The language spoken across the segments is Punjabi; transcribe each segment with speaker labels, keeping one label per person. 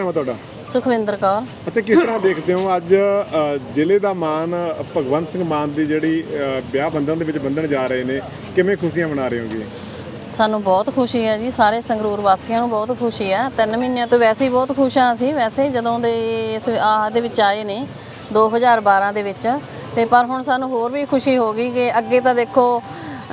Speaker 1: ਨਾਮ ਹੈ ਤੁਹਾਡਾ?
Speaker 2: ਸੁਖਵਿੰਦਰ ਕੌਰ।
Speaker 1: ਅੱਛਾ, ਕਿਸ ਤਰ੍ਹਾਂ ਦੇਖਦੇ ਹੋ ਅੱਜ ਜ਼ਿਲ੍ਹੇ ਦਾ ਮਾਨ ਭਗਵੰਤ ਸਿੰਘ ਮਾਨ ਦੀ ਜਿਹੜੀ ਵਿਆਹ ਬੰਧਨ ਦੇ ਵਿੱਚ ਬੰਧਨ ਜਾ ਰਹੇ ਨੇ, ਕਿਵੇਂ ਖੁਸ਼ੀਆਂ ਮਨਾ ਰਹੇ ਹੋਗੇ?
Speaker 2: ਸਾਨੂੰ ਬਹੁਤ ਖੁਸ਼ੀ ਹੈ ਜੀ, ਸਾਰੇ ਸੰਗਰੂਰ ਵਾਸੀਆਂ ਨੂੰ ਬਹੁਤ ਖੁਸ਼ੀ ਹੈ। 3 ਮਹੀਨਿਆਂ ਤੋਂ ਵੈਸੇ ਹੀ ਬਹੁਤ ਖੁਸ਼ ਹਾਂ ਅਸੀਂ, ਵੈਸੇ ਜਦੋਂ ਦੇ ਇਸ ਦੇ ਵਿੱਚ ਆਏ ਨੇ 2012 ਦੇ ਵਿੱਚ, ਤੇ ਪਰ ਹੁਣ ਸਾਨੂੰ ਹੋਰ ਵੀ ਖੁਸ਼ੀ ਹੋ ਗਈ ਕਿ ਅੱਗੇ ਤਾਂ ਦੇਖੋ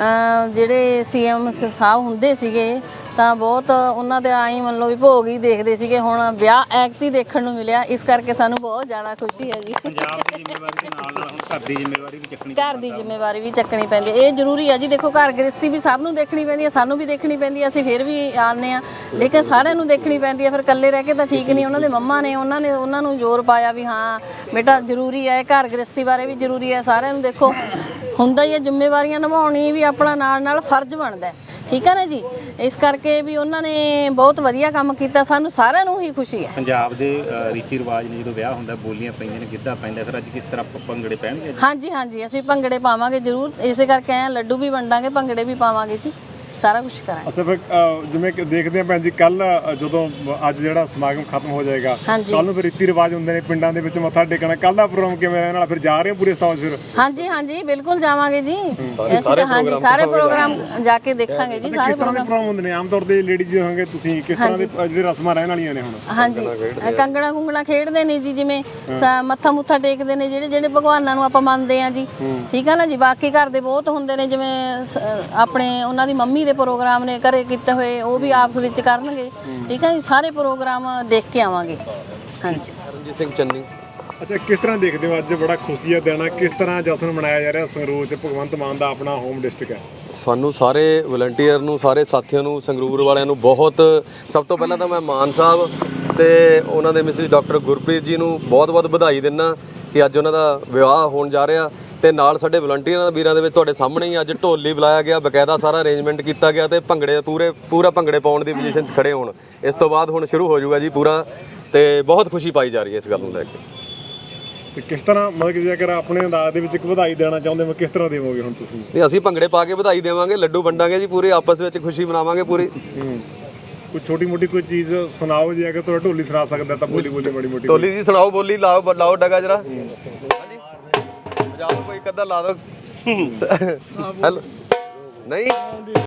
Speaker 2: ਜਿਹੜੇ ਸੀਐਮ ਸਾਹਿਬ ਹੁੰਦੇ ਸੀਗੇ ਤਾਂ ਬਹੁਤ ਉਹਨਾਂ ਦੇ ਆਈ ਮੰਨ ਲਓ ਵੀ ਭੋਗ ਹੀ ਦੇਖਦੇ ਸੀਗੇ, ਹੁਣ ਵਿਆਹ ਐਕਟ ਦੇਖਣ ਨੂੰ ਮਿਲਿਆ, ਇਸ ਕਰਕੇ ਸਾਨੂੰ ਬਹੁਤ ਜ਼ਿਆਦਾ ਖੁਸ਼ੀ ਹੈ ਜੀ।
Speaker 3: ਪੰਜਾਬ ਦੀ ਜ਼ਿੰਮੇਵਾਰੀ ਦੇ ਨਾਲ ਹੁਣ ਘਰ ਦੀ ਜ਼ਿੰਮੇਵਾਰੀ ਵੀ ਚੱਕਣੀ
Speaker 2: ਪੈਂਦੀ ਹੈ, ਇਹ ਜ਼ਰੂਰੀ ਹੈ ਜੀ। ਦੇਖੋ ਘਰ ਗ੍ਰਸਤੀ ਵੀ ਸਭ ਨੂੰ ਦੇਖਣੀ ਪੈਂਦੀ ਹੈ, ਸਾਨੂੰ ਵੀ ਦੇਖਣੀ ਪੈਂਦੀ ਹੈ, ਅਸੀਂ ਫਿਰ ਵੀ ਆਉਂਦੇ ਹਾਂ, ਲੇਕਿਨ ਸਾਰਿਆਂ ਨੂੰ ਦੇਖਣੀ ਪੈਂਦੀ ਹੈ। ਫਿਰ ਇਕੱਲੇ ਰਹਿ ਕੇ ਤਾਂ ਠੀਕ ਨਹੀਂ। ਉਹਨਾਂ ਦੇ ਮੰਮਾ ਨੇ ਉਹਨਾਂ ਨੂੰ ਜ਼ੋਰ ਪਾਇਆ ਵੀ ਹਾਂ ਬੇਟਾ ਜ਼ਰੂਰੀ ਹੈ, ਘਰ ਗ੍ਰਸਤੀ ਬਾਰੇ ਵੀ ਜ਼ਰੂਰੀ ਹੈ। ਸਾਰਿਆਂ ਨੂੰ ਦੇਖੋ ਹੁੰਦਾ ਹੀ ਹੈ, ਜ਼ਿੰਮੇਵਾਰੀਆਂ ਨਿਭਾਉਣੀ ਵੀ ਆਪਣਾ ਨਾਲ ਫਰਜ਼ ਬਣਦਾ, ਠੀਕ ਹੈ ਨਾ ਜੀ। ਇਸ ਕਰਕੇ ਵੀ ਉਹਨਾਂ ਨੇ ਬਹੁਤ ਵਧੀਆ ਕੰਮ ਕੀਤਾ, ਸਾਨੂੰ ਸਾਰਿਆਂ ਨੂੰ ਹੀ ਖੁਸ਼ੀ ਹੈ।
Speaker 3: ਪੰਜਾਬ ਦੇ ਰੀਤੀ ਰਿਵਾਜ ਨੇ, ਜਦੋਂ ਵਿਆਹ ਹੁੰਦਾ ਬੋਲੀਆਂ ਪੈਂਦੀਆਂ ਨੇ, ਗਿੱਧਾ ਪੈਂਦਾ, ਫਿਰ ਅੱਜ ਕਿਸ ਤਰ੍ਹਾਂ ਭੰਗੜੇ ਪੈਣਗੇ?
Speaker 2: ਹਾਂਜੀ, ਅਸੀਂ ਭੰਗੜੇ ਪਾਵਾਂਗੇ ਜ਼ਰੂਰ, ਇਸੇ ਕਰਕੇ ਆਏ ਲੱਡੂ ਵੀ ਵੰਡਾਂਗੇ, ਭੰਗੜੇ ਵੀ ਪਾਵਾਂਗੇ ਜੀ, ਸਾਰਾ ਕੁਝ ਕਰਾਂਗੇ।
Speaker 1: ਅੱਛਾ, ਫਿਰ ਜਿਵੇਂ ਕਿ ਦੇਖਦੇ ਆ ਭੈਣ ਜੀ, ਕੱਲ ਜਦੋਂ ਅੱਜ ਜਿਹੜਾ ਸਮਾਗਮ ਖਤਮ ਹੋ ਜਾਏਗਾ, ਕੱਲ ਨੂੰ ਫਿਰ ਰੀਤੀ ਰਿਵਾਜ ਹੁੰਦੇ ਨੇ ਪਿੰਡਾਂ ਦੇ ਵਿੱਚ ਮੱਥਾ ਟੇਕਣਾ, ਕੱਲ ਦਾ ਪ੍ਰੋਗਰਾਮ ਕਿਵੇਂ ਰਹਿਣ ਵਾਲਾ? ਫਿਰ ਜਾ ਰਹੇ ਹੋ ਪੂਰੇ ਸਟਾਫ? ਫਿਰ
Speaker 2: ਹਾਂਜੀ ਬਿਲਕੁਲ ਜਾਵਾਂਗੇ ਜੀ, ਅਸੀਂ ਤਾਂ ਸਾਰੇ ਪ੍ਰੋਗਰਾਮ ਜਾ ਕੇ ਦੇਖਾਂਗੇ ਜੀ। ਸਾਰੇ
Speaker 1: ਪ੍ਰੋਗਰਾਮ ਹੁੰਦੇ ਨੇ ਆਮ ਤੌਰ ਤੇ ਲੇਡੀਜ਼ ਹੋਣਗੇ, ਤੁਸੀਂ ਕਿਸ ਤਰ੍ਹਾਂ ਦੇ ਜਿਹੜੇ ਰਸਮਾਂ ਰਹਿਣ ਵਾਲੀਆਂ ਨੇ ਹੁਣ?
Speaker 2: ਹਾਂਜੀ, ਕੰਗਣਾ ਖੇਡਦੇ ਨੇ ਜੀ, ਜਿਵੇਂ ਮੱਥਾ ਮੁੱਥਾ ਟੇਕਦੇ ਨੇ ਜਿਹੜੇ ਭਗਵਾਨਾਂ ਨੂੰ ਆਪਾਂ ਮੰਨਦੇ ਆ ਜੀ, ਠੀਕ ਆ ਨਾ ਜੀ। ਬਾਕੀ ਘਰ ਦੇ ਬਹੁਤ ਹੁੰਦੇ ਨੇ, ਜਿਵੇਂ ਆਪਣੇ ਉਹਨਾਂ ਦੀ ਮੰਮੀ ਦੇ ਪ੍ਰੋਗਰਾਮ ਨੇ ਘਰੇ ਕੀਤੇ ਹੋਏ, ਉਹ ਵੀ ਆਪਸ ਵਿੱਚ ਕਰਨਗੇ, ਠੀਕ ਹੈ ਜੀ। ਸਾਰੇ ਪ੍ਰੋਗਰਾਮ ਦੇਖ ਕੇ ਆਵਾਂਗੇ। ਹਾਂਜੀ,
Speaker 4: ਰਣਜੀਤ ਸਿੰਘ ਚੰਨੀ।
Speaker 1: ਅੱਛਾ, ਕਿਸ ਤਰ੍ਹਾਂ ਦੇਖਦੇ ਹੋ ਅੱਜ ਬੜਾ ਖੁਸ਼ੀ ਦਾ ਦਿਨ, ਕਿਸ ਤਰ੍ਹਾਂ ਜਸ਼ਨ ਮਨਾਇਆ ਜਾ ਰਿਹਾ ਸੰਗਰੂਰ 'ਚ? ਭਗਵੰਤ ਮਾਨ ਦਾ ਆਪਣਾ ਹੋਮ ਡਿਸਟ੍ਰਿਕਟ ਹੈ।
Speaker 4: ਸਾਨੂੰ ਸਾਰੇ ਵਲੰਟੀਅਰ ਨੂੰ, ਸਾਰੇ ਸਾਥੀਆਂ ਨੂੰ, ਸੰਗਰੂਰ ਵਾਲਿਆਂ ਨੂੰ ਬਹੁਤ, ਸਭ ਤੋਂ ਪਹਿਲਾਂ ਤਾਂ ਮੈਂ ਮਾਨ ਸਾਹਿਬ ਤੇ ਉਹਨਾਂ ਦੇ ਮਿਸਿਸ ਡਾਕਟਰ ਗੁਰਪ੍ਰੀਤ ਜੀ ਨੂੰ ਬਹੁਤ ਵਧਾਈ ਦਿੰਦਾ ਕਿ ਅੱਜ ਉਹਨਾਂ ਦਾ ਵਿਆਹ ਹੋਣ ਜਾ ਰਿਹਾ। ਤੇ ਨਾਲ ਸਾਡੇ ਵਲੰਟੀਅਰਾਂ ਵੀਰਾਂ ਦੇ ਵਿੱਚ ਤੁਹਾਡੇ ਸਾਹਮਣੇ ਹੀ ਅੱਜ ਢੋਲੀ ਬੁਲਾਇਆ ਗਿਆ, ਬਕਾਇਦਾ ਸਾਰਾ ਅਰੇਂਜਮੈਂਟ ਕੀਤਾ ਗਿਆ ਤੇ ਭੰਗੜੇ ਪੂਰਾ ਭੰਗੜੇ ਪਾਉਣ ਦੀ ਪੋਜੀਸ਼ਨ 'ਚ ਖੜੇ ਹੋਣ। ਇਸ ਤੋਂ ਬਾਅਦ ਹੁਣ ਸ਼ੁਰੂ ਹੋ ਜਾਊਗਾ ਜੀ ਪੂਰਾ, ਤੇ ਬਹੁਤ ਖੁਸ਼ੀ ਪਾਈ ਜਾ ਰਹੀ ਹੈ ਇਸ ਗੱਲ ਨੂੰ ਲੈ ਕੇ।
Speaker 1: ਤੇ ਕਿਸ ਤਰ੍ਹਾਂ ਮਤਲਬ ਕਿ ਜੇਕਰ ਆਪਣੇ ਅੰਦਾਜ਼ ਦੇ ਵਿੱਚ ਇੱਕ ਵਧਾਈ ਦੇਣਾ ਚਾਹੁੰਦੇ ਹੋ, ਕਿਸ ਤਰ੍ਹਾਂ ਦੇਵੋਗੇ ਹੁਣ ਤੁਸੀਂ?
Speaker 4: ਨਹੀਂ, ਅਸੀਂ ਭੰਗੜੇ ਪਾ ਕੇ ਵਧਾਈ ਦੇਵਾਂਗੇ, ਲੱਡੂ ਵੰਡਾਂਗੇ ਜੀ, ਪੂਰੇ ਆਪਸ ਵਿੱਚ ਖੁਸ਼ੀ ਮਨਾਵਾਂਗੇ ਪੂਰੀ।
Speaker 1: ਕੋਈ ਛੋਟੀ ਮੋਟੀ ਕੋਈ ਚੀਜ਼ ਸੁਣਾਓ ਜੀ, ਅਗਰ ਤੁਹਾਡਾ ਢੋਲੀ ਸੁਣਾ ਸਕਦਾ ਤਾਂ ਬੋਲੀ ਮਾੜੀ ਮੋਟੀ।
Speaker 4: ਢੋਲੀ ਜੀ ਸੁਣਾਓ, ਬੋਲੀ ਲਾਓ ਡਗਾ ਜਰਾ। ਹਾਂਜੀ, ਪੰਜਾਬ ਕੋਈ ਇੱਕ ਅੱਧਾ ਲਾ ਦੋ। ਹੈਲੋ, ਨਹੀਂ